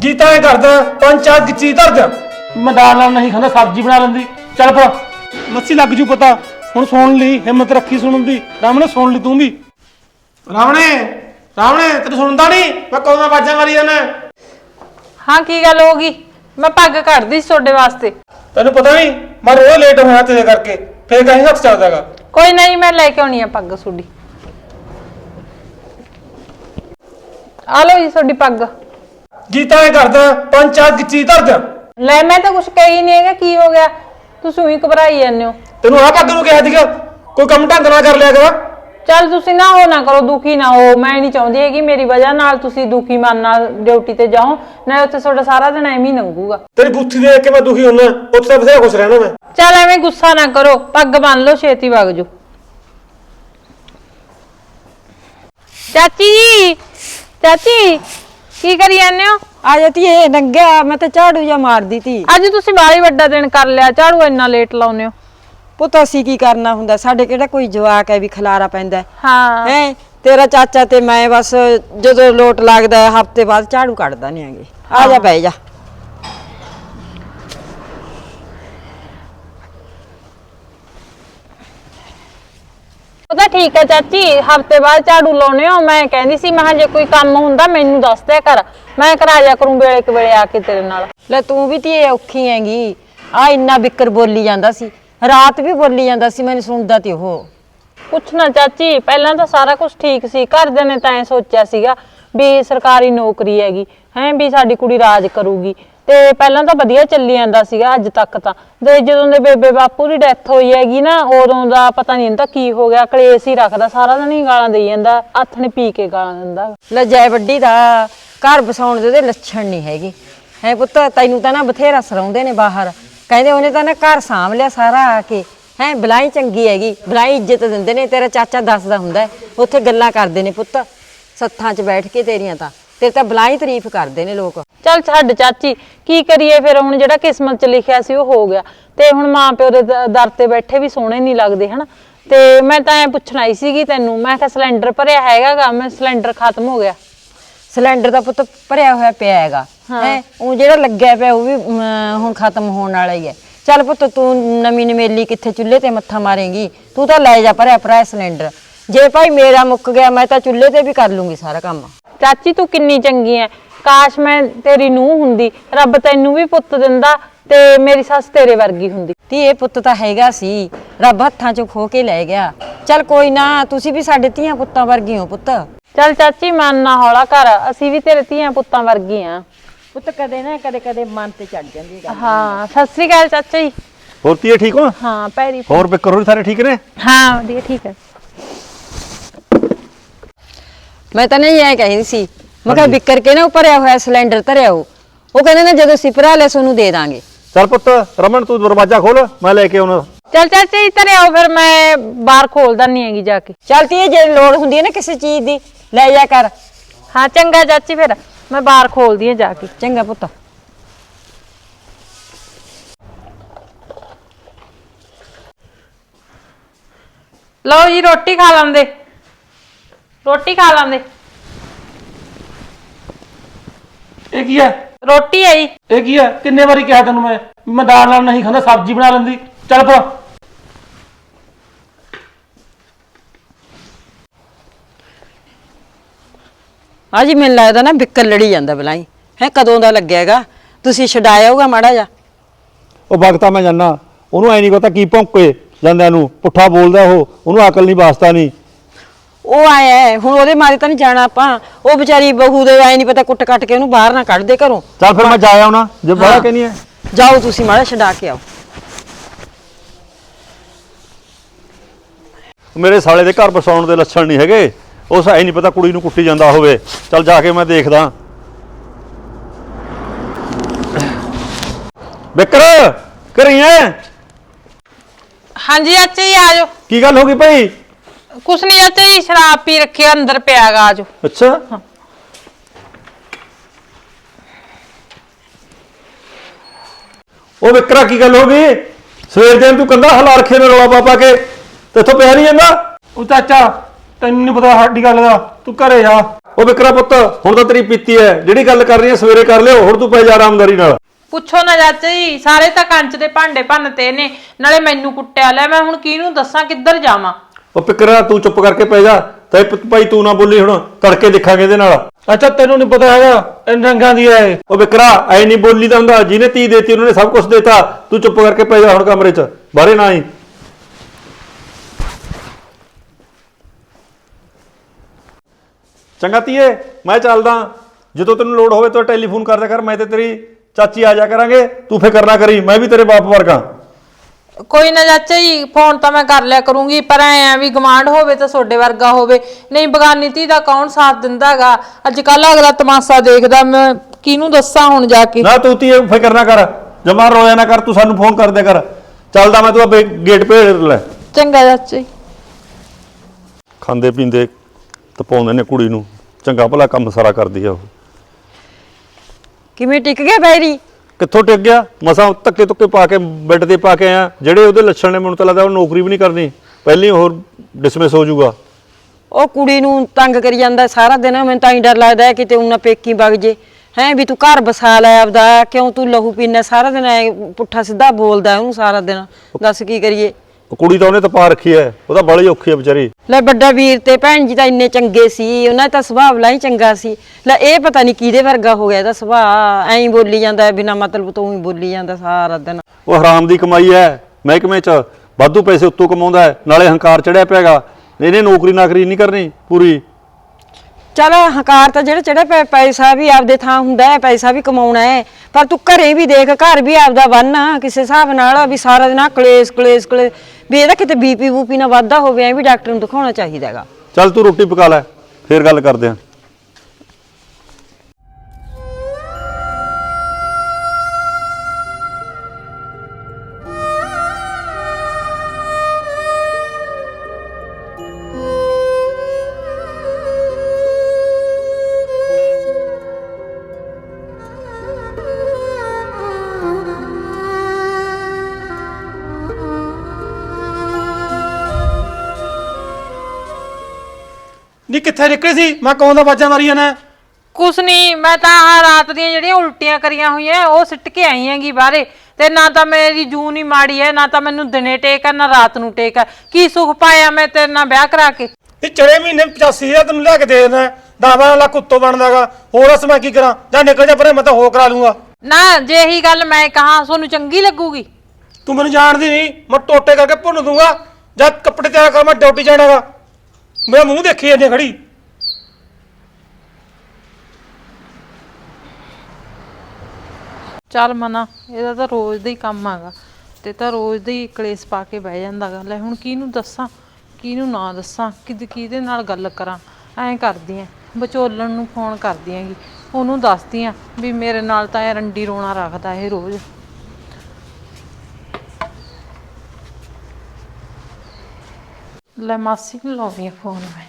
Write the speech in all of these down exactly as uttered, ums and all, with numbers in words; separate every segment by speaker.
Speaker 1: जी तो करदा पांच चार गिच्ची धर दे मैं दाल नाल नहीं खांदा सब्जी बना लैंदी चल पर मस्सी लग जू पता हुण सुन ली हिम्मत रखी सुनन दी रामणे सुन ली तू भी रावणे रावणे तेन सुनदा नहीं मैं कौन आवाज़ां मारी जाना
Speaker 2: हाँ की गल होगी मैं पग कटदी सी तुहाडे वास्ते
Speaker 1: तेन पता नहीं मैं रोज लेट होया तेरे करके फिर कहीं हथ चलदागा
Speaker 2: कोई नहीं मैं लेके आउणी आ पग तुहाडी आ लो जी तुहाडी पग
Speaker 1: जी तो करदा पांच चार गिच्ची धर दे
Speaker 2: ले मैं तो कुछ कही नहीं हैगा की हो गया तुसीं ही घबराई जांदे हो
Speaker 1: तेन आ पग नूं कहा सीगा कोई काम ढंग नाल कर लिया कर
Speaker 2: चल तुसीं ना हो ना करो दुखी ना हो मैं नहीं चाहती है कि मेरी वजह नाल तुसीं दुखी मन नाल ड्यूटी ते जाओ ना उत्थे तुहाडा सारा दिन एवें ही लंघूगा
Speaker 1: तेरी बुत्थी देख के मैं दुखी होना उत्थे बथेरा खुश रहना मैं
Speaker 2: चल एवें गुस्सा ना करो पग बन लो छेती वग जो चाची जी चाची की करी जाने हो
Speaker 3: आ जाती है नंगा मैं तो झाड़ू जा मार दी थी
Speaker 2: अज तुसीं बाहली वड्डा दिन कर लिया झाड़ू इन्ना लेट लाउने हो
Speaker 3: पुत असी की करना हुंदा साडे किहड़ा कोई जवाक है भी खलारा पैंदा है
Speaker 2: हाँ
Speaker 3: हैं तेरा चाचा ते मैं बस जदों लोट लगदा है हफ्ते बाद झाड़ू कढदा नहीं आगे आ जा बैठ जा
Speaker 2: पता ठीक है चाची हफ्ते बाद झाड़ू लाउने हो मैं कहंदी सी मैं जे कोई काम हुंदा मैनू दस दिया कर मैं करा जा करूं वेले के वेले आके तेरे नाल
Speaker 3: ले तू भी ती औखी हैगी आ इन्ना बिकर बोली जांदा सी रात भी बोली जांदा सी मैंने सुनदा ती ओह
Speaker 2: कुछ ना चाची पहला तो सारा कुछ ठीक सी घरदे ने तां सोचिया सीगा भी सरकारी नौकरी हैगी हैं भी साडी कुड़ी राज करूगी ते पहला तो वधिया चली जांदा सीगा अज तक तां ते जदों दे बेबे बापू दी डेथ होई हैगी ना उदों दा पता नहीं इंदा की हो गया कलेश ही रखदा सारा दिन ही गालां देई जांदा हत्थ ने पी के गालां दिंदा
Speaker 3: ले जय वड्डी दा घर बसाउण दे लक्षण नहीं हैगे है पुत्त तैनू तां ना बथेरा सराउंदे ने बाहर कहंदे ओने तां ना घर साਂਭ लिया सारा आके हैं बलाई चंगी हैगी बलाई इज्जत दिंदे ने तेरा चाचा दसदा हुंदा है उत्थे गल्लां करदे ने पुत्त सत्थां च बैठ के तेरियां तां तेरे तां बलाई तारीफ करदे ने लोक
Speaker 2: चल छड्ड चाची की करिए फिर हुण जेड़ा किस्मत च लिखिया सी ओह हो गया ते हुण मां प्यो दे दर ते बैठे भी सोहणे नहीं लगदे हना ते मैं तां ऐ पुछण आई सीगी तैनू मैं कहा सिलेंडर भरिया हैगा गा मैं सिलेंडर खत्म हो गया
Speaker 3: सिलेंडर दा पुत्त भरिया होया पिया हैगा है ਉਹ ਜਿਹੜਾ ਲੱਗਿਆ ਪਿਆ ਉਹ ਵੀ ਹੁਣ ਖਤਮ ਹੋਣ ਵਾਲਾ ਹੀ ਹੈ ਚੱਲ ਪੁੱਤ ਤੂੰ ਨਵੀਂ ਨਵੇਲੀ ਕਿੱਥੇ ਚੁੱਲ੍ਹੇ ਤੇ ਮੱਥਾ ਮਾਰੇਂਗੀ ਤੂੰ ਤਾਂ ਲੈ ਜਾ ਭਰਿਆ ਭਰਾ ਸਿਲੰਡਰ ਜੇ ਭਾਈ ਮੇਰਾ ਮੁੱਕ ਗਿਆ ਮੈਂ ਤਾਂ ਚੁੱਲ੍ਹੇ ਤੇ ਵੀ ਕਰ ਲੂੰਗੀ ਸਾਰਾ ਕੰਮ
Speaker 2: ਚਾਚੀ ਤੂੰ ਕਿੰਨੀ ਚੰਗੀ ਐ ਕਾਸ਼ ਮੈਂ ਤੇਰੀ ਨੂੰਹ ਹੁੰਦੀ ਰੱਬ ਤੈਨੂੰ ਵੀ ਪੁੱਤ ਦਿੰਦਾ ਤੇ ਮੇਰੀ ਸੱਸ ਤੇਰੇ ਵਰਗੀ ਹੁੰਦੀ
Speaker 3: ਤੇ ਇਹ ਪੁੱਤ ਤਾਂ ਹੈਗਾ ਸੀ ਰੱਬ ਹੱਥਾਂ ਚੋਂ ਖੋ ਕੇ ਲੈ ਗਿਆ ਚੱਲ ਕੋਈ ਨਾ ਤੁਸੀਂ ਵੀ ਸਾਡੇ ਧੀਆਂ ਪੁੱਤਾਂ ਵਰਗੀ ਹੋ ਪੁੱਤ
Speaker 2: ਚੱਲ ਚਾਚੀ ਮਨ ਨਾ ਹੌਲਾ ਕਰ ਅਸੀਂ ਵੀ ਤੇਰੇ ਧੀਆਂ ਪੁੱਤਾਂ ਵਰਗੀ ਆ
Speaker 3: ਪੁੱਤ ਕਦੇ ਨਾ ਕਦੇ ਕਦੇ ਮਨ ਤੇ ਚੜ ਜਾਂਦੀ ਹੈ
Speaker 2: ਹਾਂ ਸਤਿ ਸ੍ਰੀ ਅਕਾਲ ਚਾਚਾ ਜੀ
Speaker 4: ਹੋਰ ਧੀਏ ਠੀਕ ਹੋ
Speaker 2: ਹਾਂ ਪੈਰੀ
Speaker 4: ਹੋਰ ਬਿਕਰ ਹੋਰ ਸਾਰੇ ਠੀਕ ਨੇ
Speaker 2: ਹਾਂ ਵਧੀਆ ਠੀਕ ਹੈ
Speaker 3: ਮੈਂ ਤਾਂ ਨਹੀਂ ਐ ਕਹਿੰਦੀ ਸੀ ਮੈਂ ਕਿਹਾ ਬਿਕਰ ਕੇ ਨਾ ਭਰਿਆ ਹੋਇਆ ਸਿਲੰਡਰ ਧਰਿਆ ਉਹ ਉਹ ਕਹਿੰਦੇ ਨੇ ਜਦੋਂ ਸਿਪਰਾ ਲੈ ਸੋਨੂੰ ਦੇ ਦਾਂਗੇ
Speaker 4: ਚੱਲ ਪੁੱਤ ਰਮਨ ਤੂੰ ਦਰਵਾਜ਼ਾ ਖੋਲ ਮੈਂ ਲੈ ਕੇ ਆਉਣਾ
Speaker 2: ਚੱਲ ਚਾਚਾ ਜੀ ਧਰੇ ਆਓ ਫਿਰ ਮੈਂ ਬਾਹਰ ਖੋਲ ਦਨੀ ਹੈਗੀ ਜਾ ਕੇ
Speaker 3: ਚੱਲ ਤੀ ਜੇ ਲੋੜ ਹੁੰਦੀ ਹੈ ਨਾ ਕਿਸੇ ਚੀਜ਼ ਦੀ ਲੈ ਜਾ ਕਰ
Speaker 2: ਹਾਂ ਚੰਗਾ ਚਾਚੀ ਫਿਰ मैं बाहर खोल दी जाके
Speaker 3: चंगा पुत्त
Speaker 2: लो जी रोटी खा लेंदे रोटी खा लेंदे
Speaker 1: ਇਹ ਕੀ ਹੈ
Speaker 2: रोटी है जी
Speaker 1: ਇਹ ਕੀ ਹੈ ਕਿੰਨੇ ਵਾਰੀ ਕਿਹਾ ਤੈਨੂੰ ਮੈਂ ਮੈਂ ਦਾਲ ਨਾਲ ਨਹੀਂ ਖਾਂਦਾ ਸਬਜ਼ੀ ਬਣਾ ਲੈਂਦੀ ਚੱਲ ਪਰ
Speaker 3: ਆ ਜੀ ਮੈਨੂੰ ਲੱਗਦਾ ਨਾ ਬਿੱਕਰ ਲੜੀ ਜਾਂਦਾ ਬਲਾਈ ਹੈ ਕਦੋਂ ਦਾ ਲੱਗਿਆ ਹੈਗਾ ਤੁਸੀਂ ਛਡਾਇਆ ਹੋਗਾ ਮਾੜਾ ਜਾ
Speaker 4: ਉਹ ਵਕਤਾ ਮੈਂ ਜਾਨਾ ਉਹਨੂੰ ਐ ਨਹੀਂ ਪਤਾ ਕੀ ਭੌਂਕੇ ਜਾਂਦਿਆਂ ਨੂੰ ਪੁੱਠਾ ਬੋਲਦਾ ਉਹ ਉਹਨੂੰ ਅਕਲ ਨਹੀਂ ਵਾਸਤਾ ਨਹੀਂ
Speaker 3: ਉਹ ਆਇਆ ਹੁਣ ਉਹਦੇ ਮਾਰੇ ਤਾਂ ਨਹੀਂ ਜਾਣਾ ਆਪਾਂ ਉਹ ਵਿਚਾਰੀ ਬਹੂ ਦੇ ਐ ਨਹੀਂ ਪਤਾ ਕੁੱਟ ਕੱਟ ਕੇ ਉਹਨੂੰ ਬਾਹਰ ਨਾ ਕੱਢ ਦੇ ਘਰੋਂ
Speaker 4: ਚੱਲ ਫਿਰ ਮੈਂ ਜਾ ਆਉਣਾ ਜੇ ਬਾਹਰ ਕਹਿਨੀ ਹੈ
Speaker 3: ਜਾਓ ਤੁਸੀਂ ਮਾੜਾ ਛਡਾ ਕੇ ਆਓ
Speaker 4: ਮੇਰੇ ਸਾਲੇ ਦੇ ਘਰ ਬਸਾਉਣ ਦੇ ਲੱਛਣ ਨਹੀਂ ਹੈਗੇ ਉਸ ਐ ਨਹੀਂ ਪਤਾ ਕੁੜੀ ਨੂੰ ਕੁੱਟੀ ਜਾਂਦਾ ਹੋਵੇ ਚੱਲ ਜਾ ਕੇ ਮੈਂ ਦੇਖਦਾ ਬਿਕਰ ਕਰੀ ਐ
Speaker 2: हाँ जी चाचा जी आ जाओ
Speaker 4: ਕੀ ਗੱਲ ਹੋ ਗਈ ਭਾਈ
Speaker 2: कुछ नहीं चाचा जी शराब पी रखी है अंदर पे आ जाओ
Speaker 4: ਅੱਛਾ ਉਹ ਵਿਕਰਾ ਕੀ ਗੱਲ ਹੋ ਗਈ ਸਵੇਰ ਦੇ ਤੂੰ ਕੰਦਾ ਹਲਾ ਰੱਖੇ ਨੇ ਰੌਲਾ ਪਾਪਾ ਕੇ ਤੇਥੋਂ ਪਿਆ ਨਹੀਂ ਜਾਂਦਾ
Speaker 1: ਉਹ ਚਾਚਾ ਤੈਨੂੰ ਨਹੀਂ ਪਤਾ ਸਾਡੀ ਗੱਲ ਦਾ ਤੂੰ ਘਰੇ ਜਾ
Speaker 4: ਉਹ ਵਿਕਰਾ ਪੁੱਤ ਹੁਣ ਤਾਂ ਤੇਰੀ ਪੀਤੀ ਐ, ਜਿਹੜੀ ਗੱਲ ਕਰ ਰਹੀ ਐ ਸਵੇਰੇ ਕਰ ਲਿਓ, ਹੁਣ ਤੂੰ ਪੈ ਜਾ ਆਰਾਮਦਾਰੀ ਨਾਲ।
Speaker 2: ਪੁੱਛੋ ਨਾ ਚਾਚਾ ਜੀ, ਸਾਰੇ ਤਾਂ ਕੰਚ ਦੇ ਭਾਂਡੇ ਭੰਨਤੇ ਨੇ, ਨਾਲੇ ਮੈਨੂੰ ਕੁੱਟਿਆ ਲੈ, ਮੈਂ ਹੁਣ ਕਿਹਨੂੰ ਦੱਸਾਂ ਕਿੱਧਰ ਜਾਵਾਂ।
Speaker 4: ਉਹ ਫਿਕਰਾ ਤੂੰ ਚੁੱਪ ਕਰਕੇ ਪੈ ਜਾ, ਤੇ ਭਾਈ ਤੂੰ ਨਾ ਬੋਲੀ, ਹੁਣ ਤੜਕੇ ਦੇਖਾਂਗੇ ਇਹਦੇ ਨਾਲ।
Speaker 1: ਅੱਛਾ ਤੈਨੂੰ ਨਹੀਂ ਪਤਾ ਹੈਗਾ ਇਹ ਰੰਗਾਂ ਦੀ ਐ।
Speaker 4: ਉਹ ਵਿਕਰਾ ਐ ਨਹੀਂ ਬੋਲੀ ਦਾ ਹੁੰਦਾ, ਜਿਹਨੇ ਧੀ ਦੇਤੀ ਉਹਨੇ ਸਭ ਕੁਝ ਦੇਤਾ। ਤੂੰ ਚੁੱਪ ਕਰਕੇ ਪੈ ਜਾ ਹੁਣ ਕਮਰੇ 'ਚ, ਬਾਹਰੇ ਨਾ ਆਈ। ਚੰਗਾ ਧੀਏ ਮੈਂ ਚੱਲਦਾ, ਜਦੋਂ ਤੈਨੂੰ ਲੋੜ ਹੋਵੇ ਤਾਂ ਟੈਲੀਫੋਨ ਕਰ ਦਿਆ ਕਰ, ਮੈਂ ਤੇ ਤੇਰੀ ਚਾਚੀ ਆ ਜਾ ਕਰਾਂਗੇ, ਤੂੰ ਫਿਕਰ ਨਾ ਕਰੀ, ਮੈਂ ਵੀ ਤੇਰੇ ਬਾਪ ਵਰਗਾ।
Speaker 2: ਕੋਈ ਨਾ ਚਾਚਾ ਜੀ, ਫੋਨ ਤਾਂ ਮੈਂ ਕਰ ਲਿਆ ਕਰੂੰਗੀ, ਪਰ ਐ ਆ ਵੀ ਗਵਾਂਢ ਹੋਵੇ ਤਾਂ ਤੁਹਾਡੇ ਵਰਗਾ ਹੋਵੇ, ਨਹੀਂ ਬਗਾਨੀ ਧੀ ਦਾ ਕੌਣ ਸਾਥ ਦਿੰਦਾਗਾ। ਅੱਜ ਕੱਲ ਅਗਲਾ ਤਮਾਸ਼ਾ ਦੇਖਦਾ, ਮੈਂ ਕਿਹਨੂੰ ਦੱਸਾਂ ਹੁਣ ਜਾ ਕੇ।
Speaker 4: ਨਾ ਤੂੰ ਧੀਏ ਫਿਕਰ ਨਾ ਕਰ, ਜਮਾ ਰੋਇਆ ਨਾ ਕਰ, ਤੂੰ ਸਾਨੂੰ ਫੋਨ ਕਰ ਦਿਆ ਕਰ। ਚੱਲਦਾ ਮੈਂ, ਤੂੰ ਆਪੇ ਗੇਟ ਭੇਜ ਲੈ।
Speaker 2: ਚੰਗਾ ਚਾਚਾ ਜੀ।
Speaker 4: ਖਾਂਦੇ ਪੀਂਦੇ ਤਪਾਉਂਦੇ ਨੇ ਕੁੜੀ ਨੂੰ, ਚੰਗਾ ਭਲਾ ਕੰਮ ਸਾਰਾ ਕਰਦੀ ਆ ਉਹ।
Speaker 3: ਕਿਵੇਂ ਟਿਕ ਗਿਆ ਬੈਰੀ?
Speaker 4: ਕਿੱਥੋਂ ਟਿਕ ਗਿਆ, ਮਸਾਂ ਧੱਕੇ ਧੁੱਕੇ ਪਾ ਕੇ ਬੈੱਡ ਤੇ ਪਾ ਕੇ ਆਇਆ। ਜਿਹੜੇ ਉਹਦੇ ਲੱਛਣ ਨੇ ਮੈਨੂੰ ਤਾਂ ਲੱਗਦਾ ਉਹ ਨੌਕਰੀ ਵੀ ਨਹੀਂ ਕਰਨੀ, ਪਹਿਲੀ ਹੋਰ ਡਿਸਮਿਸ ਹੋ ਜਾਊਗਾ।
Speaker 3: ਉਹ ਕੁੜੀ ਨੂੰ ਤੰਗ ਕਰੀ ਜਾਂਦਾ ਸਾਰਾ ਦਿਨ, ਮੈਨੂੰ ਤਾਂ ਹੀ ਡਰ ਲੱਗਦਾ ਹੈ ਕਿਤੇ ਉਹਨਾਂ ਪੇਕੀ ਵਗ ਜੇ। ਹੈ ਵੀ ਤੂੰ ਘਰ ਬਸਾ ਲੈ ਆਪਦਾ, ਕਿਉਂ ਤੂੰ ਲਹੂ ਪੀਣਾ ਸਾਰਾ ਦਿਨ, ਐ ਪੁੱਠਾ ਸਿੱਧਾ ਬੋਲਦਾ ਉਹਨੂੰ ਸਾਰਾ ਦਿਨ। ਦੱਸ ਕੀ ਕਰੀਏ?
Speaker 4: ਉਹ ਕੁੜੀ ਤਾਂ ਉਹਨੇ ਤਾਂ ਪਾ ਰੱਖੀ ਐ, ਉਹ ਤਾਂ ਬੜੀ ਔਖੀ ਐ ਵਿਚਾਰੀ।
Speaker 3: ਲੈ ਵੱਡਾ ਵੀਰ ਤੇ ਭੈਣ ਜੀ ਤਾਂ ਇੰਨੇ ਚੰਗੇ ਸੀ, ਉਹਨਾਂ ਦਾ ਸੁਭਾਅ ਬਲਾ ਹੀ ਚੰਗਾ ਸੀ। ਲੈ ਇਹ ਪਤਾ ਨਹੀਂ ਕਿਹਦੇ ਵਰਗਾ ਹੋ ਗਿਆ ਇਹਦਾ ਸੁਭਾਅ, ਐਂ ਹੀ ਬੋਲੀ ਜਾਂਦਾ ਬਿਨਾਂ ਮਤਲਬ ਤੋਂ ਹੀ ਬੋਲੀ ਜਾਂਦਾ ਸਾਰਾ ਦਿਨ।
Speaker 4: ਉਹ ਹਰਾਮ ਦੀ ਕਮਾਈ ਐ, ਮਹਿਕਮੇ 'ਚ ਵਾਧੂ ਪੈਸੇ ਉੱਤੋਂ ਕਮਾਉਂਦਾ ਹੈ, ਨਾਲੇ ਹੰਕਾਰ ਚੜਿਆ ਪਿਆਗਾ। ਇਹਨੇ ਨੌਕਰੀ ਨਾਕਰੀ ਨਹੀਂ ਕਰਨੀ ਪੂਰੀ।
Speaker 3: ਚਲ ਹੰਕਾਰ ਤਾਂ ਜਿਹੜਾ ਚੜਿਆ ਪਿਆ, ਪੈਸਾ ਵੀ ਆਪਦੇ ਥਾਂ ਹੁੰਦਾ ਹੈ, ਪੈਸਾ ਵੀ ਕਮਾਉਣਾ ਹੈ, ਪਰ ਤੂੰ ਘਰੇ ਵੀ ਦੇਖ, ਘਰ ਵੀ ਆਪਦਾ ਬੰਨ ਕਿਸੇ ਹਿਸਾਬ ਨਾਲ, ਵੀ ਸਾਰਾ ਦਿਨ ਕਲੇਸ਼ ਕਲੇਸ਼ ਕਲੇਸ਼, ਵੀ ਇਹਦਾ ਕਿਤੇ ਬੀਪੀ ਬੂਪੀ ਨਾ ਵਾਧਾ ਹੋਵੇ, ਐ ਵੀ ਡਾਕਟਰ ਨੂੰ ਦਿਖਾਉਣਾ ਚਾਹੀਦਾ ਹੈਗਾ।
Speaker 4: ਚੱਲ ਤੂੰ ਰੋਟੀ ਪਕਾ ਲੈ, ਫੇਰ ਗੱਲ ਕਰਦੇ ਆਂ।
Speaker 1: ਨੀ ਕਿੱਥੇ ਨਿਕਲੇ ਸੀ? ਮੈਂ ਕੌਣ ਦਾ ਬਾਜਾਂ ਮਾਰੀਆਂ ਨੇ?
Speaker 2: ਕੁਛ ਨਹੀਂ, ਮੈਂ ਤਾਂ ਆਹ ਰਾਤ ਦੀਆਂ ਜਿਹੜੀਆਂ ਉਲਟੀਆਂ ਕਰੀਆਂ ਹੋਈਆਂ ਉਹ ਸਿੱਟ ਕੇ ਆਈ ਹੈਗੀ ਬਾਹਰੇ, ਤੇ ਨਾ ਤਾਂ ਮੇਰੀ ਜੂਨ ਹੀ ਮਾੜੀ ਹੈ, ਨਾ ਤਾਂ ਮੈਨੂੰ ਦਿਨੇ ਟੇਕ ਹੈ, ਨਾ ਰਾਤ ਨੂੰ ਟੇਕ ਹੈ। ਕੀ ਸੁੱਖ ਪਾਇਆ ਮੈਂ ਤੇਰੇ ਨਾਲ ਵਿਆਹ ਕਰਾ ਕੇ?
Speaker 1: ਇਹ ਚੜੇ ਮਹੀਨੇ ਪਚਾਸੀ ਹਜ਼ਾਰ ਤੈਨੂੰ ਲੈ ਕੇ ਦੇ ਦੇਣਾ, ਦਸ ਲੱਖ ਉੱਤੋਂ ਬਣਦਾਗਾ। ਹੋਰ ਅਸ ਮੈਂ ਕੀ ਕਰਾਂ? ਜਾਂ ਨਿਕਲ ਜਾ ਪਰੇ, ਮੈਂ ਤਾਂ ਹੋ ਕਰਾ ਲੂੰਗਾ।
Speaker 2: ਨਾ ਜੇ ਇਹੀ ਗੱਲ ਮੈਂ ਕਹਾਂ ਤੁਹਾਨੂੰ ਚੰਗੀ ਲੱਗੂਗੀ?
Speaker 1: ਤੂੰ ਮੈਨੂੰ ਜਾਣਦੀ ਨਹੀਂ, ਮੈਂ ਟੋਟੇ ਕਰਕੇ ਭੁੰਨ ਦੂੰਗਾ। ਜਦ ਕੱਪੜੇ ਤਿਆਰ ਕਰ, ਮੈਂ ਡਿਊਟੀ ਜਾਣਾਗਾ। ਮੇਰਾ ਮੂੰਹ ਦੇਖੀ ਜਾਂਦੀ ਖੜੀ।
Speaker 2: ਚੱਲ ਮਨਾ, ਇਹਦਾ ਤਾਂ ਰੋਜ਼ ਦਾ ਹੀ ਕੰਮ ਹੈਗਾ, ਤੇ ਤਾਂ ਰੋਜ਼ ਦਾ ਹੀ ਕਲੇਸ਼ ਪਾ ਕੇ ਬਹਿ ਜਾਂਦਾਗਾ। ਲੈ ਹੁਣ ਕਿਹਨੂੰ ਦੱਸਾਂ ਕਿਹਨੂੰ ਨਾ ਦੱਸਾਂ, ਕਿਦ ਕਿਹਦੇ ਨਾਲ ਗੱਲ ਕਰਾਂ? ਐਂ ਕਰਦੀ ਆਂ ਵਿਚੋਲਣ ਨੂੰ ਫੋਨ ਕਰਦੀ ਆਂਗੀ, ਉਹਨੂੰ ਦੱਸਦੀ ਆਂ ਵੀ ਮੇਰੇ ਨਾਲ ਤਾਂ ਇਹ ਰੰਡੀ ਰੋਣਾ ਰੱਖਦਾ ਇਹ ਰੋਜ਼। ਲੈ ਮਾਸੀ ਨੂੰ ਲਾਉਂਦੀ ਆਂ ਫੋਨ ਮੈਂ।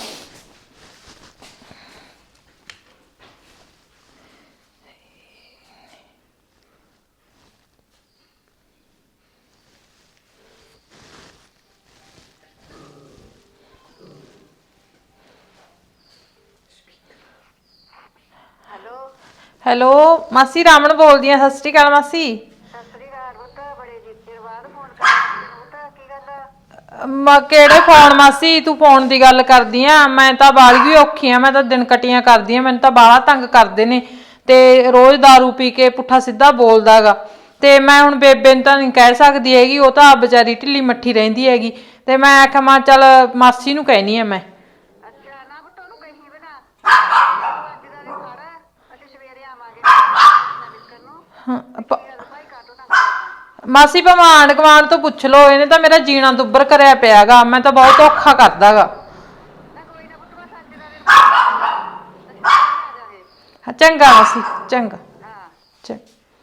Speaker 2: ਹੈਲੋ ਮਾਸੀ, ਰਾਮਣ ਬੋਲਦੀ ਆ। ਸਤਿ ਸ਼੍ਰੀ ਅਕਾਲ ਮਾਸੀ।
Speaker 5: ਸਤਿ ਸ੍ਰੀ ਅਕਾਲ ਪੁੱਤ, ਬੜੇ ਚਿਰ ਬਾਅਦ ਫੋਨ ਕਰਦਾ ਪੁੱਤ, ਕੀ ਗੱਲ?
Speaker 2: ਮ ਕਿਹੜੇ ਫੋਨ ਮਾਸੀ, ਤੂੰ ਫੋਨ ਦੀ ਗੱਲ ਕਰਦੀ ਆ? ਮੈਂ ਤਾਂ ਬਾਲੀ ਔਖੀ ਆ, ਮੈਂ ਤਾਂ ਦਿਨ ਕਟੀਆਂ ਕਰਦੀ ਆ, ਮੈਨੂੰ ਤਾਂ ਬਾਹਲਾ ਤੰਗ ਕਰਦੇ ਨੇ, ਤੇ ਰੋਜ਼ ਦਾਰੂ ਪੀ ਕੇ ਪੁੱਠਾ ਸਿੱਧਾ ਬੋਲਦਾਗਾ। ਤੇ ਮੈਂ ਹੁਣ ਬੇਬੇ ਨੂੰ ਤਾਂ ਨਹੀਂ ਕਹਿ ਸਕਦੀ ਹੈਗੀ, ਉਹ ਤਾਂ ਵਿਚਾਰੀ ਢਿੱਲੀ ਮੱਠੀ ਰਹਿੰਦੀ ਹੈਗੀ, ਤੇ ਮੈਂ ਆਖਿਆ ਮੈਂ ਚੱਲ ਮਾਸੀ ਨੂੰ ਕਹਿਨੀ ਆ ਮੈਂ।
Speaker 5: ਅੱਛਾ ਨਾ ਪੁੱਤ, ਉਹਨੂੰ ਕਹੀ ਬਣਾ ਅੱਜ ਦਾ ਦਿਨ ਸਾਰਾ, ਅਸੀਂ ਸਵੇਰੇ ਆਵਾਂਗੇ ਨਾ ਵਿਕਰ ਨੂੰ।
Speaker 2: ਹਾਂ, ਪ-
Speaker 5: ਭਾਈ ਕਾਟੋ ਨਾ
Speaker 2: ਮਾਸੀ ਭਾਵੇਂ ਆਂਢ ਗੁਆਂਢ ਤੋਂ ਪੁੱਛ ਲਓ, ਇਹਨੇ ਤਾਂ ਮੇਰਾ ਜੀਣਾ ਦੁੱਬਰ ਕਰਿਆ ਪਿਆਗਾ, ਮੈਂ ਤਾਂ ਬਹੁਤ ਔਖਾ ਕਰਦਾਗਾ।
Speaker 5: ਨਾ ਕੋਈ ਨਾ ਪੁੱਤ, ਬਸ ਅੱਜ ਦਾ ਦਿਨ ਅਸੀਂ ਆ ਜਾਵਾਂਗੇ।
Speaker 2: ਚੰਗਾ ਮਾਸੀ, ਚੰਗਾ।
Speaker 5: ਹਾਂ
Speaker 2: ਚੰਗਾ।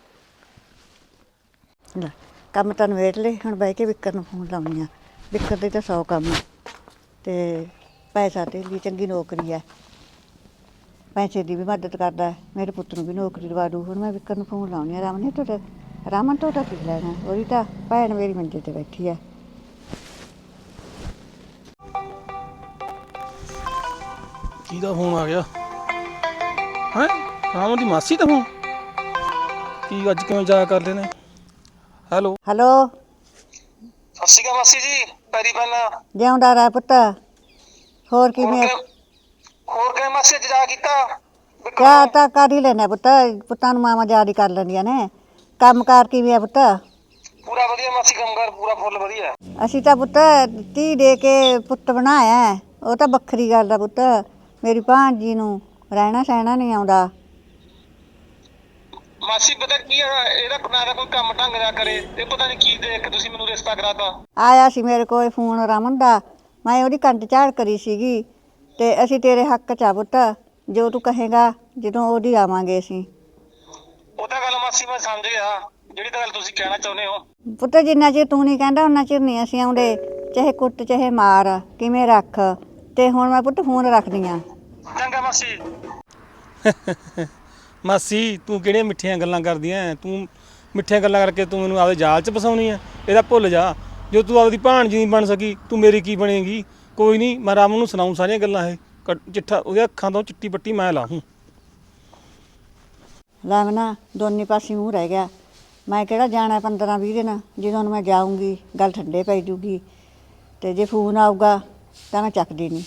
Speaker 5: ਲੈ ਕੰਮ ਤਾਂ ਨਵੇੜ ਲੈ, ਹੁਣ ਬਹਿ ਕੇ ਵਿਕਰ ਨੂੰ ਫੋਨ ਲਾਉਣੀ ਆ। ਵਿਕਰ ਦੇ ਤਾਂ ਸੌ ਕੰਮ ਆ, ਤੇ ਪੈਸਾ ਤੇ ਲਈ ਚੰਗੀ ਨੌਕਰੀ ਹੈ, ਪੈਸੇ ਦੀ ਵੀ ਮਦਦ ਕਰਦਾ ਹੈ, ਮੇਰੇ ਪੁੱਤ ਨੂੰ ਵੀ ਨੌਕਰੀ ਦਵਾ ਦੂ। ਹੁਣ ਮੈਂ ਵਿਕਰ ਨੂੰ ਫੋਨ ਲਾਉਣੀ ਆ। ਰਾਮਨ ਨੇ ਤੁਹਾਡਾ ਰਾਮਨ ਤੁਹਾਡਾ ਕੀ ਲੈਣਾ? ਉਹਦੀ ਤਾਂ ਭੈਣ ਮੇਰੀ ਮੰਜੇ ਤੇ ਬੈਠੀ ਹੈ।
Speaker 1: ਕਿਹਦਾ ਫੋਨ ਆ ਗਿਆ? ਹੈ ਰਾਮ ਦੀ ਮਾਸੀ ਤਾਂ ਹੁਣ ਕੀ ਅੱਜ ਕਿਵੇਂ ਜਾ ਕਰ ਲੈਨੇ। ਹੈਲੋ
Speaker 5: ਹੈਲੋ
Speaker 6: ਸਤਿ ਸ਼੍ਰੀ ਅਕਾਲ ਮਾਸੀ ਜੀ, ਪੈਰੀ ਪੈਣਾ।
Speaker 5: ਜਿਉਂਦਾ ਰਹਿ ਪੁੱਤ। ਹੋਰ ਕਿਵੇਂ?
Speaker 6: ਹੋਰ ਕਿਵੇਂ ਮਾਸੀ ਅੱਜ ਜਾ ਕੀਤਾ?
Speaker 5: ਕਿਆ ਤਾਂ ਕਰ ਹੀ ਲੈਨੇ ਪੁੱਤ, ਪੁੱਤਾਂ ਨੂੰ ਮਾਵਾਂ ਯਾਦ ਹੀ ਕਰ ਲੈਂਦੀਆਂ ਨੇ। ਕੰਮ ਕਾਰ ਕਿਵੇਂ ਆ ਪੁੱਤ?
Speaker 6: ਪੂਰਾ ਵਧੀਆ ਮਾਸੀ, ਕੰਮਕਾਰ ਪੂਰਾ ਫੁੱਲ ਵਧੀਆ।
Speaker 5: ਅਸੀਂ ਤਾਂ ਪੁੱਤ ਧੀ ਦੇ ਕੇ ਪੁੱਤ ਬਣਾਇਆ, ਉਹ ਤਾਂ ਵੱਖਰੀ ਗੱਲ ਆ ਪੁੱਤ। ਮੇਰੀ ਭਾਣਜੀ ਨੂੰ ਰਹਿਣਾ ਸਹਿਣਾ ਨਹੀਂ ਆਉਂਦਾ।
Speaker 6: ਮਾਸੀ ਪਤਾ ਕੀ ਆ, ਇਹਦਾ ਨਾ ਤਾਂ ਕੋਈ ਕੰਮ ਢੰਗ ਦਾ ਕਰੇ ਤੇ ਪਤਾ ਨਹੀਂ ਕੀ ਦੇਖ ਕੇ ਤੁਸੀਂ ਮੈਨੂੰ ਰਿਸ਼ਤਾ ਕਰਾਤਾ।
Speaker 5: ਆਇਆ ਸੀ ਮੇਰੇ ਕੋਲ ਫੋਨ ਰਮਨ ਦਾ, ਮੈਂ ਉਹਦੀ ਕੰਧ ਝਾੜ ਕਰੀ ਸੀਗੀ ਤੇ ਅਸੀਂ ਤੇਰੇ ਹੱਕ 'ਚ ਆ ਪੁੱਤ, ਜੋ ਤੂੰ ਕਹੇਗਾ ਜਦੋਂ ਉਹਦੀ ਆਵਾਂਗੇ ਅਸੀਂ।
Speaker 6: ਉਹ ਤਾਂ ਗੱਲ ਮਾਸੀ ਮੈਂ ਸਮਝ ਗਿਆ, ਜਿਹੜੀ ਤਾਂ ਗੱਲ ਤੁਸੀਂ ਕਹਿਣਾ ਚਾਹੁੰਦੇ ਹੋ।
Speaker 5: ਪੁੱਤ ਜਿੰਨਾ ਚਿਰ ਤੂੰ ਨਹੀਂ ਕਹਿੰਦਾ ਉਹਨਾਂ ਚਿਰ ਨਹੀਂ ਅਸੀਂ ਆਉਂਦੇ, ਚਾਹੇ ਕੁੱਟ ਚਾਹੇ ਮਾਰ ਕਿਵੇਂ ਰੱਖ। ਤੇ ਹੁਣ ਮੈਂ ਪੁੱਤ ਫੋਨ ਰੱਖਦੀ ਆ।
Speaker 6: ਚੰਗਾ ਮਾਸੀ।
Speaker 1: ਮਾਸੀ ਤੂੰ ਕਿਹੜੀਆਂ ਮਿੱਠੀਆਂ ਗੱਲਾਂ ਕਰਦੀਆਂ ਤੂੰ? ਮਿੱਠੀਆਂ ਗੱਲਾਂ ਕਰਕੇ ਤੂੰ ਮੈਨੂੰ ਆਪਦੇ ਜਾਲ 'ਚ ਫਸਾਉਣੀ ਆ। ਇਹਦਾ ਭੁੱਲ ਜਾ, ਜੋ ਤੂੰ ਆਪਦੀ ਭਾਣਜੀ ਨਹੀਂ ਬਣ ਸਕੀ ਤੂੰ ਮੇਰੀ ਕੀ ਬਣੇਗੀ। ਕੋਈ ਨਹੀਂ, ਮੈਂ ਰਾਮ ਨੂੰ ਸੁਣਾਉਂ ਸਾਰੀਆਂ ਗੱਲਾਂ। ਇਹ ਕੱਟ- ਚਿੱਠਾ ਉਹਦੇ ਅੱਖਾਂ ਤੋਂ ਚਿੱਟੀ ਪੱਟੀ ਮੈਂ ਲਾਹੂੰ।
Speaker 5: ਲੈ ਮੈਂ ਨਾ ਦੋਨੇ ਪਾਸੇ ਮੂੰਹ ਰਹਿ ਗਿਆ। ਮੈਂ ਕਿਹੜਾ ਜਾਣਾ ਪੰਦਰਾਂ ਵੀਹ ਦਿਨ, ਜਦੋਂ ਨੂੰ ਮੈਂ ਜਾਊਂਗੀ ਗੱਲ ਠੰਡੇ ਪੈ ਜੂਗੀ। ਤੇ ਜੇ ਫੋਨ ਆਊਗਾ ਤਾਂ ਮੈਂ ਚੱਕਦੀ ਨਹੀਂ।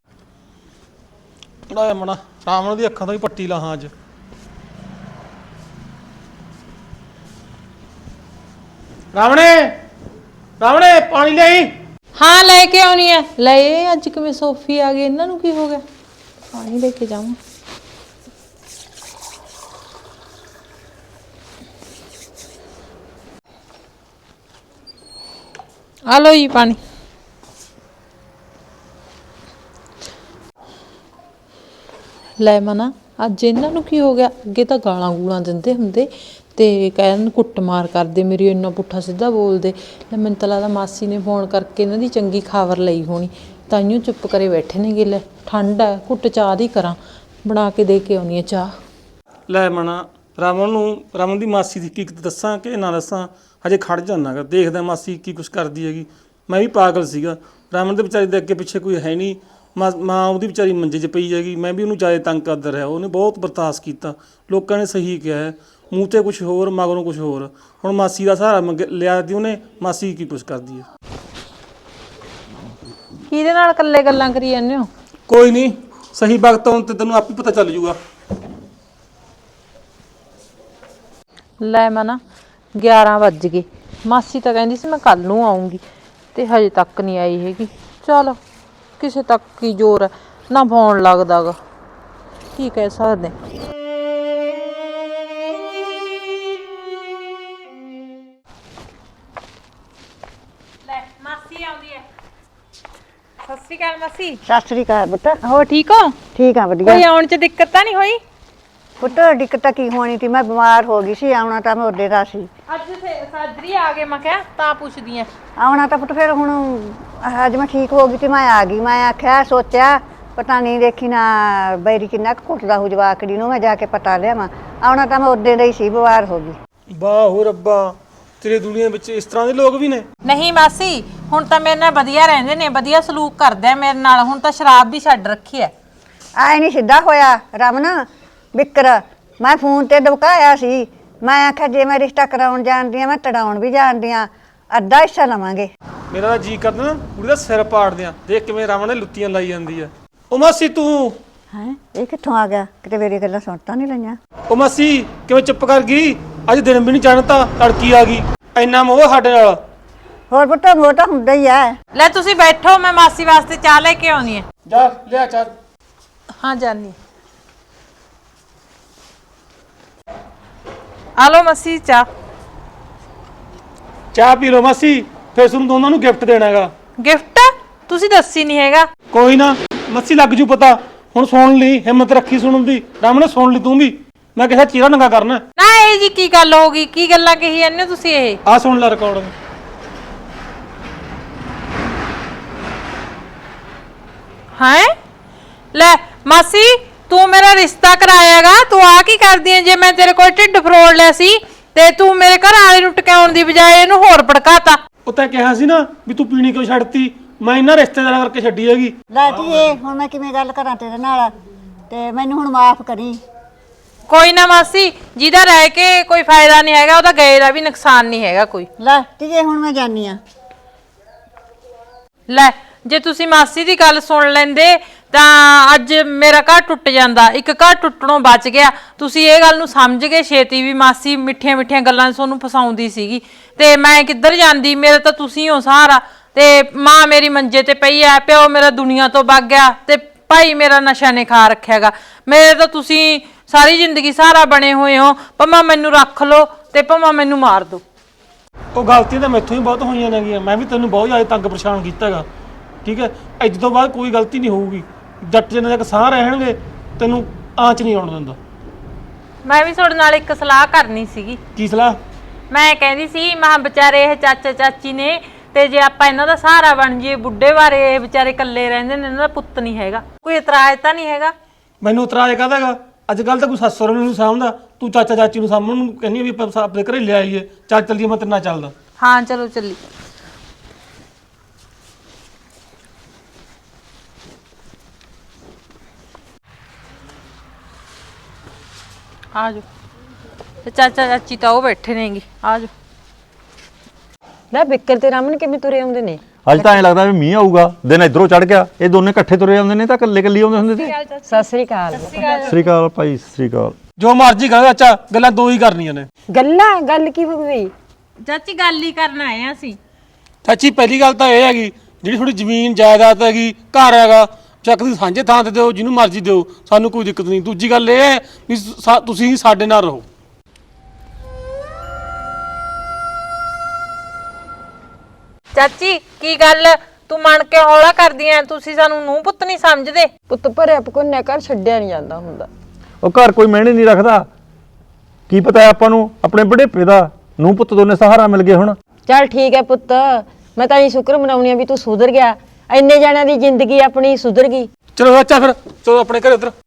Speaker 1: ਪੜਾਇਆ ਮਣਾ ਰਾਮ ਦੀ ਅੱਖਾਂ ਤੋਂ ਹੀ ਪੱਟੀ ਲਾਹਾਂ ਅੱਜ। ਰਾਵਣੇ ਰਾਵਣੇ ਪਾਣੀ ਲਈ।
Speaker 2: ਹਾਂ ਲੈ ਕੇ ਆਉਣੀ ਹੈ। ਲੈ ਇਹ ਅੱਜ ਕਿਵੇਂ ਸੋਫੀ ਆ ਗਈ, ਇਹਨਾਂ ਨੂੰ ਕੀ ਹੋ ਗਿਆ? ਪਾਣੀ ਲੈ ਕੇ ਜਾਵਾਂ। ਆ ਲੋ ਜੀ ਪਾਣੀ। ਲੈ ਮਨਾ ਅੱਜ ਇਹਨਾਂ ਨੂੰ ਕੀ ਹੋ ਗਿਆ? ਅੱਗੇ ਤਾਂ ਗਾਲਾਂ ਗੂਲਾਂ ਦਿੰਦੇ ਹੁੰਦੇ ਤੇ ਕਹਿਣ ਕੁੱਟਮਾਰ ਕਰਦੇ, ਮੇਰੀ ਇੰਨਾ ਪੁੱਠਾ ਸਿੱਧਾ ਬੋਲਦੇ। ਲੈ ਮੈਨੂੰ ਤਾਂ ਲੱਗਦਾ ਮਾਸੀ ਨੇ ਫੋਨ ਕਰਕੇ ਇਹਨਾਂ ਦੀ ਚੰਗੀ ਖਬਰ ਲਈ ਹੋਣੀ, ਤਾਈਓ ਚੁੱਪ ਕਰੇ ਬੈਠੇ ਨੇ। ਲੈ ਠੰਡ ਹੈ, ਘੁੱਟ ਚਾਹ ਦੀ ਕਰਾਂ, ਬਣਾ ਕੇ ਦੇ ਕੇ ਆਉਣੀ ਹੈ ਚਾਹ।
Speaker 1: ਲੈ ਮਣਾ ਰਾਵਣ ਨੂੰ ਰਾਵਣ ਦੀ ਮਾਸੀ ਦੀ ਹਕੀਕਤ ਦੱਸਾਂ ਕਿ ਨਾ ਦੱਸਾਂ? ਹਜੇ ਖੜ ਜਾਨਾ ਗਾ, ਦੇਖਦਾ ਮਾਸੀ ਕੀ ਕੁਛ ਕਰਦੀ ਹੈਗੀ। ਮੈਂ ਵੀ ਪਾਗਲ ਸੀਗਾ। ਰਾਵਣ ਦੇ ਵਿਚਾਰੇ ਦੇ ਅੱਗੇ ਪਿੱਛੇ ਕੋਈ ਹੈ ਨਹੀਂ। ਮਾਂ ਮਾਂ ਉਹਦੀ ਵਿਚਾਰੀ ਮੰਜੇ 'ਚ ਪਈ ਹੈਗੀ। ਮੈਂ ਵੀ ਉਹਨੂੰ ਜ਼ਿਆਦਾ ਤੰਗ ਕਰਦਾ ਰਿਹਾ, ਉਹਨੇ ਬਹੁਤ ਬਰਦਾਸ਼ਤ ਕੀਤਾ। ਲੋਕਾਂ ਨੇ ਸਹੀ ਕਿਹਾ ਹੈ, ਮੂੰਹ 'ਤੇ ਕੁਛ ਹੋਰ ਮਗਰੋਂ ਕੁਛ ਹੋਰ। ਹੁਣ ਮਾਸੀ ਦਾ ਸਹਾਰਾ ਮੰਗ ਲਿਆ ਦੀ ਉਹਨੇ। ਮਾਸੀ ਕੀ ਕੁਛ ਕਰਦੀ ਹੈ।
Speaker 2: ਕਿਹਦੇ ਨਾਲ ਇਕੱਲੇ ਗੱਲਾਂ ਕਰੀ ਜਾਂਦੇ ਹੋ?
Speaker 1: ਕੋਈ ਨਹੀਂ, ਸਹੀ ਵਕਤ ਆਉਣ ਤੇ ਤੈਨੂੰ ਆਪੇ ਪਤਾ ਚੱਲ ਜੂਗਾ।
Speaker 2: ਲੈ ਮਨਾ ਗਿਆਰਾਂ ਵੱਜ ਗਏ। ਮਾਸੀ ਤਾਂ ਕਹਿੰਦੀ ਸੀ ਮੈਂ ਕੱਲ ਨੂੰ ਆਉਂਗੀ ਤੇ ਹਜੇ ਤੱਕ ਨਹੀਂ ਆਈ ਹੈਗੀ। ਚਲ ਕਿਸੇ ਤੱਕ ਕੀ ਜ਼ੋਰ ਹੈ, ਨਾ ਫੋਨ ਲੱਗਦਾ ਗਾ, ਕੀ ਕਹਿ ਸਕਦੇ। ਲੈ ਮਾਸੀ ਆਉਂਦੀ ਹੈ। ਸਤਿ ਸ਼੍ਰੀ ਅਕਾਲ ਮਾਸੀ।
Speaker 5: ਸਤਿ ਸ੍ਰੀ ਅਕਾਲ ਪੁੱਤ।
Speaker 2: ਹੋਰ ਠੀਕ ਹੋ?
Speaker 5: ਠੀਕ ਆ
Speaker 2: ਕੋਈ
Speaker 5: ਵਧੀਆ
Speaker 2: ਆਉਣ ਚ ਦਿੱਕਤ ਤਾਂ ਨਹੀਂ ਹੋਈ?
Speaker 5: ਪੁੱਤ। ਦਿੱਕਤ ਕੀ ਹੋਣੀ ਸੀ, ਮੈਂ ਬਿਮਾਰ ਹੋ ਗਈ ਸੀ। ਆਉਣਾ ਤਾਂ ਮੈਂ ਉਹਦੇ ਦਾ ਸੀ।
Speaker 2: ਅੱਜ ਸਾਜਰੀ ਆ ਗਏ, ਮੈਂ ਕਿਹਾ ਤਾਂ ਪੁੱਛਦੀ ਆ।
Speaker 5: ਆਉਣਾ ਤਾਂ ਪੁੱਤ ਫਿਰ ਹੁਣ ਅੱਜ ਮੈਂ ਠੀਕ ਹੋ ਗਈ ਤੇ ਮੈਂ ਆ ਗਈ। ਮੈਂ ਆਖਿਆ ਸੋਚਿਆ ਪਤਾ ਨਹੀਂ ਦੇਖੀ ਨਾ ਬੈਰੀ ਕਿੰਨਾ ਕੁ ਘੁੱਟਦਾ ਹੋ ਜਵਾਕੜੀ ਨੂੰ, ਮੈਂ ਜਾ ਕੇ ਪਤਾ ਲਿਆਵਾਂ। ਆਉਣਾ ਤਾਂ ਮੈਂ ਉਹਦੇ ਦਾ ਹੀ ਸੀ, ਬਿਮਾਰ ਹੋ ਗਈ।
Speaker 1: ਵਾਹ ਹੋ ਰੱਬਾ, ਤੇਰੀ ਦੁਨੀਆ ਵਿੱਚ ਇਸ ਤਰ੍ਹਾਂ ਦੇ ਲੋਕ ਵੀ ਨੇ।
Speaker 2: ਨਹੀਂ ਮਾਸੀ, ਹੁਣ ਤਾਂ ਮੇਰੇ ਨਾਲ ਵਧੀਆ ਰਹਿੰਦੇ ਨੇ, ਵਧੀਆ ਸਲੂਕ ਕਰਦੇ ਆ ਮੇਰੇ ਨਾਲ। ਹੁਣ ਤਾਂ ਸ਼ਰਾਬ ਵੀ ਛੱਡ ਰੱਖੀ ਐ।
Speaker 5: ਆਏ ਨਹੀਂ ਸਿੱਧਾ ਹੋਇਆ ਰਮਨ ਵਿਕਰ। ਮੈਂ ਫੋਨ ਤੇ ਦਬਕਾਇਆ ਸੀ, ਮੈਂ ਆਖਿਆ ਜੇ ਮੈਂ ਰਿਸ਼ਤਾ ਕਰਾਉਣ ਜਾਣਦੀ ਆ ਮੈਂ ਤੜਾਉਣ ਵੀ ਜਾਣਦੀ ਆ, ਅੱਧਾ ਹਿੱਸਾ ਲਵਾਂਗੇ।
Speaker 1: ਮੇਰਾ ਤਾਂ ਜੀ ਕਰਦਾ ਨਾ ਕੁੜੀ ਦਾ ਸਿਰ ਪਾੜ ਦਿਆਂ। ਦੇਖ ਕਿਵੇਂ ਰਾਵਣ ਨੇ ਲੁੱਤੀਆਂ ਲਾਈ ਜਾਂਦੀ ਆ। ਉਹ ਮਾਸੀ ਤੂੰ
Speaker 5: ਹੈ ਇਹ ਕਿੱਥੋਂ ਆ ਗਿਆ? ਕਿਤੇ ਮੇਰੀ ਗੱਲਾਂ ਸੁਣ ਤਾਂ ਨਹੀਂ ਲਈਆਂ?
Speaker 1: ਉਹ ਮਾਸੀ ਕਿਵੇਂ ਚੁੱਪ ਕਰ ਗਈ? ਅੱਜ ਦਿਨ ਵੀ ਨਹੀਂ ਚੜ੍ਹਤਾ, ਤੜਕੀ ਆ ਗਈ। ਇੰਨਾ ਮੋਹ ਸਾਡੇ ਨਾਲ।
Speaker 5: ਹੋਰ ਪੁੱਤ ਮੋਹ ਤਾਂ ਹੁੰਦਾ ਹੀ ਆ।
Speaker 2: ਲੈ ਤੁਸੀਂ ਬੈਠੋ, ਮੈਂ ਮਾਸੀ ਵਾਸਤੇ ਚਾਹ ਲੈ ਕੇ ਆਉਣੀ ਐ।
Speaker 1: ਜਾ ਲਿਆ ਚਾਹ।
Speaker 2: ਹਾਂ ਜਾਨੀ। ਆ ਲੋ ਮਾਸੀ ਚਾਹ।
Speaker 1: ਚਾਹ ਪੀ ਲਓ ਮਾਸੀ, ਫਿਰ ਤੁਹਾਨੂੰ ਦੋਨਾਂ ਨੂੰ ਗਿਫਟ ਦੇਣਾ ਹੈਗਾ।
Speaker 2: ਗਿਫਟ ਤੁਸੀਂ ਦੱਸੀ ਨਹੀਂ ਹੈਗਾ।
Speaker 1: ਕੋਈ ਨਾ ਮਾਸੀ, ਲੱਗ ਜੂ ਪਤਾ। ਹੁਣ ਸੁਣ ਲਈ, ਹਿੰਮਤ ਰੱਖੀ ਸੁਣਨ ਦੀ। ਰਾਮ ਨੇ ਸੁਣ ਲਈ ਤੂੰ ਵੀ, ਮੈਂ ਕਿਹਾ ਚਿਹਰਾ ਨੰਗਾ ਕਰਨਾ।
Speaker 2: ਨਾ ਇਹ ਜੀ ਕੀ ਗੱਲ ਹੋ ਗਈ? ਕੀ ਗੱਲਾਂ ਕਹੀ ਜਾਂਦੇ ਹੋ ਤੁਸੀਂ? ਇਹ
Speaker 1: ਆ ਸੁਣ ਲੈ ਰਿਕਾਰਡ।
Speaker 2: ਹੈ ਲੈ ਮਾਸੀ, ਤੂੰ ਮੇਰਾ ਰਿਸ਼ਤਾ ਕਰਾਇਆਗਾ, ਤੂੰ ਆ ਕੀ ਕਰਦੀ ਐ? ਜੇ ਮੈਂ ਤੇਰੇ ਕੋਲ ਢਿੱਡ ਫਰੋੜ ਲਿਆ ਸੀ ਤੇ ਤੂੰ ਮੇਰੇ ਘਰ ਵਾਲੇ ਨੂੰ ਟਿਕਾਉਣ ਦੀ ਬਜਾਏ ਇਹਨੂੰ ਹੋਰ ਭੜਕਾਤਾ।
Speaker 1: ਉਹ ਤਾਂ ਕਿਹਾ ਸੀ ਨਾ ਵੀ ਤੂੰ ਪੀਣੀ ਕਿਉਂ ਛੱਡਤੀ। ਮੈਂ ਇਹਨਾਂ ਰਿਸ਼ਤੇਦਾਰਾਂ ਕਰਕੇ ਛੱਡੀ ਹੈਗੀ।
Speaker 5: ਲੈ ਧੀਏ ਹੁਣ ਮੈਂ ਕਿਵੇਂ ਗੱਲ ਕਰਾਂ ਤੇਰੇ ਨਾਲ, ਤੇ ਮੈਨੂੰ ਹੁਣ ਮਾਫ ਕਰੀ।
Speaker 7: ਕੋਈ ਨਾ ਮਾਸੀ, ਜਿਹਦਾ ਰਹਿ ਕੇ ਕੋਈ ਫਾਇਦਾ ਨਹੀਂ ਹੈਗਾ ਉਹਦਾ ਗਏ ਦਾ ਵੀ ਨੁਕਸਾਨ ਨਹੀਂ ਹੈਗਾ ਕੋਈ।
Speaker 5: ਲੈ ਧੀਏ ਹੁਣ ਮੈਂ ਜਾਨੀ ਆ।
Speaker 7: ਲੈ ਜੇ ਤੁਸੀਂ ਮਾਸੀ ਦੀ ਗੱਲ ਸੁਣ ਲੈਂਦੇ ਤਾਂ ਅੱਜ ਮੇਰਾ ਘਰ ਟੁੱਟ ਜਾਂਦਾ, ਇੱਕ ਘਰ ਟੁੱਟਣੋਂ ਬਚ ਗਿਆ। ਤੁਸੀਂ ਇਹ ਗੱਲ ਨੂੰ ਸਮਝ ਗਏ ਛੇਤੀ ਵੀ ਮਾਸੀ ਮਿੱਠੀਆਂ ਮਿੱਠੀਆਂ ਗੱਲਾਂ ਤੁਹਾਨੂੰ ਫਸਾਉਂਦੀ ਸੀਗੀ ਤੇ ਮੈਂ ਕਿੱਧਰ ਜਾਂਦੀ, ਮੇਰਾ ਤਾਂ ਤੁਸੀਂ ਹੋ ਸਹਾਰਾ। ਤੇ ਮਾਂ ਮੇਰੀ ਮੰਜੇ ਤੇ ਪਈ ਐ, ਪਿਓ ਮੇਰਾ ਦੁਨੀਆ ਤੋਂ ਵਗ ਗਿਆ ਤੇ ਭਾਈ ਮੇਰਾ ਨਸ਼ਾ ਨੇ ਖਾ ਰੱਖਿਆਗਾ। ਮੇਰੇ ਤਾਂ ਤੁਸੀਂ ਸਾਰੀ ਜ਼ਿੰਦਗੀ ਸਹਾਰਾ ਬਣੇ ਹੋਏ ਹੋ, ਭਾਵੇਂ ਮੈਨੂੰ ਰੱਖ ਲਓ ਤੇ ਭਾਵੇਂ ਮੈਨੂੰ ਮਾਰ ਦਿਓ।
Speaker 1: ਉਹ ਗਲਤੀਆਂ ਤਾਂ ਮੈਥੋਂ ਹੀ ਬਹੁਤ ਹੋਈਆਂ ਨੇਗੀਆਂ, ਮੈਂ ਵੀ ਤੈਨੂੰ ਬਹੁਤ ਜ਼ਿਆਦਾ ਤੰਗ ਪਰੇਸ਼ਾਨ ਕੀਤਾ ਹੈਗਾ, ਠੀਕ ਹੈ। ਅੱਜ ਤੋਂ ਬਾਅਦ ਕੋਈ ਗਲਤੀ ਨਹੀਂ ਹੋਊਗੀ। ਜੱਟ ਜਿੰਨੇ ਤੱਕ ਸਾਹ ਰਹਿਣਗੇ ਤੈਨੂੰ ਆਂਚ ਨਹੀਂ ਆਉਣ ਦਿੰਦਾ।
Speaker 7: ਮੈਂ ਵੀ ਤੁਹਾਡੇ ਨਾਲ ਇੱਕ ਸਲਾਹ ਕਰਨੀ ਸੀਗੀ।
Speaker 1: ਕੀ ਸਲਾਹ?
Speaker 7: ਮੈਂ ਕਹਿੰਦੀ ਸੀ ਮਹਾਂ ਵਿਚਾਰੇ ਇਹ ਚਾਚਾ ਚਾਚੀ ਨੇ, ਤੇ ਜੇ ਆਪਾਂ ਇਹਨਾਂ ਦਾ ਸਹਾਰਾ ਬਣ ਜਾਈਏ, ਬੁੱਢੇ ਬਾਰੇ ਇਹ ਵਿਚਾਰੇ ਇਕੱਲੇ ਰਹਿੰਦੇ ਨੇ, ਇਹਨਾਂ ਦਾ ਪੁੱਤ ਨਹੀਂ ਹੈਗਾ, ਕੋਈ ਇਤਰਾਜ਼ ਤਾਂ ਨਹੀਂ ਹੈਗਾ?
Speaker 1: ਮੈਨੂੰ ਇਤਰਾਜ਼ ਕਾਹਦਾ ਹੈਗਾ? ਅੱਜ ਕੱਲ ਤਾਂ ਕੋਈ ਸੱਸ ਸਹੁਰੇ ਨੂੰ ਨਹੀਂ ਸਾਂਭਦਾ, ਤੂੰ ਚਾਚਾ ਚਾਚੀ ਨੂੰ ਸਾਂਭਣ ਨੂੰ ਕਹਿੰਦੀ ਵੀ ਆਪਾਂ ਆਪਣੇ ਘਰੇ ਲੈ ਆਈਏ। ਚੱਲ ਚੱਲੀਏ, ਮੈਂ ਤੇਰੇ ਨਾਲ ਚੱਲਦਾ।
Speaker 7: ਹਾਂ ਚਲੋ ਚੱਲੀ। ਆ ਜਾਓ, ਤੇ ਚਾਚਾ ਚਾਚੀ ਤਾਂ ਉਹ ਬੈਠੇ ਨੇਗੇ, ਆ ਜਾਓ।
Speaker 3: ਲੈ ਬਿੱਕਰ ਤੇ ਰਮਨ ਕਿਵੇਂ ਤੁਰੇ ਆਉਂਦੇ ਨੇ?
Speaker 4: ਅੱਜ ਤਾਂ ਐਂ ਲੱਗਦਾ ਵੀ ਮੀਂਹ ਆਊਗਾ, ਦਿਨ ਇਧਰੋਂ ਚੜ ਗਿਆ। ਇਹ ਦੋਨੇ ਇਕੱਠੇ ਤੁਰੇ ਆਉਂਦੇ ਨੇ ਤਾਂ ਇਕੱਲੇ ਇਕੱਲੇ ਆਉਂਦੇ ਹੁੰਦੇ ਸੀ।
Speaker 3: ਸਤਿ ਸ੍ਰੀ ਅਕਾਲ।
Speaker 4: ਸ੍ਰੀ ਅਕਾਲ ਭਾਈ, ਸ੍ਰੀ ਅਕਾਲ।
Speaker 1: ਜੋ ਮਰਜ਼ੀ ਕਰ ਚਾਚਾ, ਗੱਲਾਂ ਦੋ ਹੀ ਕਰਨੀਆਂ ਨੇ।
Speaker 3: ਗੱਲਾਂ ਗੱਲ ਕੀ ਹੋ ਗਈ?
Speaker 7: ਚਾਚੀ ਗੱਲ ਹੀ ਕਰਨ ਆਏ ਆ ਅਸੀਂ।
Speaker 1: ਚਾਚੀ ਪਹਿਲੀ ਗੱਲ ਤਾਂ ਇਹ ਹੈਗੀ, ਜਿਹੜੀ ਥੋੜੀ ਜ਼ਮੀਨ ਜਾਇਦਾਦ ਹੈਗੀ, ਘਰ ਹੈਗਾ, ਚੱਕ ਦੀ ਸਾਂਝੇ ਥਾਂ ਤੇ ਦਿਓ, ਜਿਹਨੂੰ ਮਰਜ਼ੀ ਦਿਓ, ਸਾਨੂੰ ਕੋਈ ਦਿੱਕਤ ਨਹੀਂ। ਦੂਜੀ ਗੱਲ ਇਹ ਹੈ ਵੀ ਸਾ- ਤੁਸੀਂ ਸਾਡੇ ਨਾਲ ਰਹੋ।
Speaker 7: ਚਾਚੀ ਕੀ ਗੱਲ, ਤੂੰ ਮਨ ਕੇ ਹੌਲਾ ਕਰਦੀ ਐ? ਤੁਸੀਂ ਸਾਨੂੰ ਨੂੰਹ ਪੁੱਤ ਨਹੀਂ ਸਮਝਦੇ?
Speaker 3: ਪੁੱਤ ਭਰਿਆ ਪਕੋਨਿਆ ਘਰ ਛੱਡਿਆ ਨਹੀਂ ਜਾਂਦਾ ਹੁੰਦਾ।
Speaker 4: ਉਹ ਘਰ ਕੋਈ ਮਹਿਣੇ ਨਹੀਂ ਰੱਖਦਾ। ਕੀ ਪਤਾ ਆਪਾਂ ਨੂੰ ਆਪਣੇ ਬੁਢੇਪੇ ਦਾ ਨੂੰ ਪੁੱਤ ਦੋਨੇ ਸਹਾਰਾ ਮਿਲ ਗਏ ਹੁਣ।
Speaker 3: ਚੱਲ ਠੀਕ ਹੈ ਪੁੱਤ, ਮੈਂ ਤਾਂ ਇਹ ਸ਼ੁਕਰ ਮਨਾਉਣੀ ਆ ਵੀ ਤੂੰ ਸੁਧਰ ਗਿਆ। ਇੰਨੇ ਜਣਿਆਂ ਦੀ ਜ਼ਿੰਦਗੀ ਆਪਣੀ ਸੁਧਰ ਗਈ।
Speaker 1: ਚਲੋ ਚਾਚਾ ਫਿਰ ਚਲੋ ਆਪਣੇ ਘਰੇ ਉਧਰ।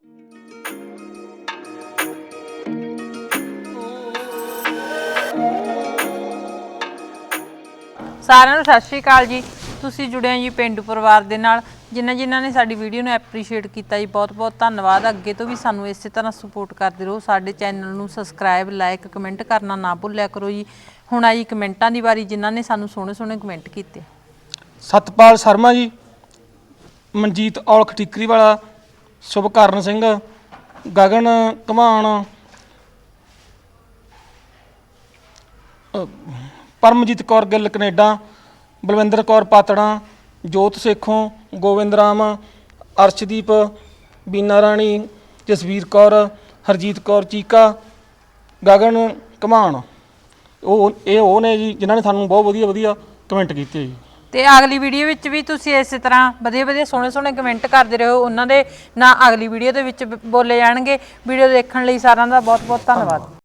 Speaker 7: ਸਾਰਿਆਂ ਨੂੰ ਸਤਿ ਸ਼੍ਰੀ ਅਕਾਲ ਜੀ। ਤੁਸੀਂ ਜੁੜੇ ਹੋ ਜੀ ਪੇਂਡੂ ਪਰਿਵਾਰ ਦੇ ਨਾਲ। ਜਿਨ੍ਹਾਂ ਜਿਨ੍ਹਾਂ ਨੇ ਸਾਡੀ ਵੀਡੀਓ ਨੂੰ ਐਪਰੀਸ਼ੀਏਟ ਕੀਤਾ ਜੀ, ਬਹੁਤ ਬਹੁਤ ਧੰਨਵਾਦ। ਅੱਗੇ ਤੋਂ ਵੀ ਸਾਨੂੰ ਇਸੇ ਤਰ੍ਹਾਂ ਸਪੋਰਟ ਕਰਦੇ ਰਹੋ। ਸਾਡੇ ਚੈਨਲ ਨੂੰ ਸਬਸਕ੍ਰਾਈਬ, ਲਾਈਕ, ਕਮੈਂਟ ਕਰਨਾ ਨਾ ਭੁੱਲਿਆ ਕਰੋ ਜੀ। ਹੁਣ ਆਈ ਕਮੈਂਟਾਂ ਦੀ ਵਾਰੀ, ਜਿਨ੍ਹਾਂ ਨੇ ਸਾਨੂੰ ਸੋਹਣੇ ਸੋਹਣੇ ਕਮੈਂਟ ਕੀਤੇ।
Speaker 1: ਸਤਪਾਲ ਸ਼ਰਮਾ ਜੀ, ਮਨਜੀਤ ਔਲਖ ਠੀਕਰੀ ਵਾਲਾ, ਸੁਭਕਰਨ ਸਿੰਘ, ਗਗਨ ਘਮਾਣ, ਪਰਮਜੀਤ ਕੌਰ ਗਿੱਲ ਕੈਨੇਡਾ, ਬਲਵਿੰਦਰ ਕੌਰ ਪਾਤੜਾ, ਜੋਤ ਸੇਖੋਂ, ਗੋਬਿੰਦ ਰਾਮ, ਅਰਸ਼ਦੀਪ, ਬੀਨਾ ਰਾਣੀ, ਜਸਵੀਰ ਕੌਰ, ਹਰਜੀਤ ਕੌਰ ਚੀਕਾ, ਗਗਨ ਘਮਾਣ। ਉਹ ਇਹ ਉਹ ਨੇ ਜੀ ਜਿਨ੍ਹਾਂ ਨੇ ਸਾਨੂੰ ਬਹੁਤ ਵਧੀਆ ਵਧੀਆ ਕਮੈਂਟ ਕੀਤੇ ਜੀ।
Speaker 7: ਤੇ ਅਗਲੀ ਵੀਡੀਓ ਵਿੱਚ ਵੀ ਤੁਸੀਂ ਇਸੇ ਤਰ੍ਹਾਂ ਵਧੀਆ ਵਧੀਆ ਸੋਹਣੇ ਸੋਹਣੇ ਕਮੈਂਟ ਕਰਦੇ ਰਹੋ। ਉਹਨਾਂ ਦੇ ਨਾਂ ਅਗਲੀ ਵੀਡੀਓ ਦੇ ਵਿੱਚ ਬ- ਬੋਲੇ ਜਾਣਗੇ। ਵੀਡੀਓ ਦੇਖਣ ਲਈ ਸਾਰਿਆਂ ਦਾ ਬਹੁਤ ਬਹੁਤ ਧੰਨਵਾਦ।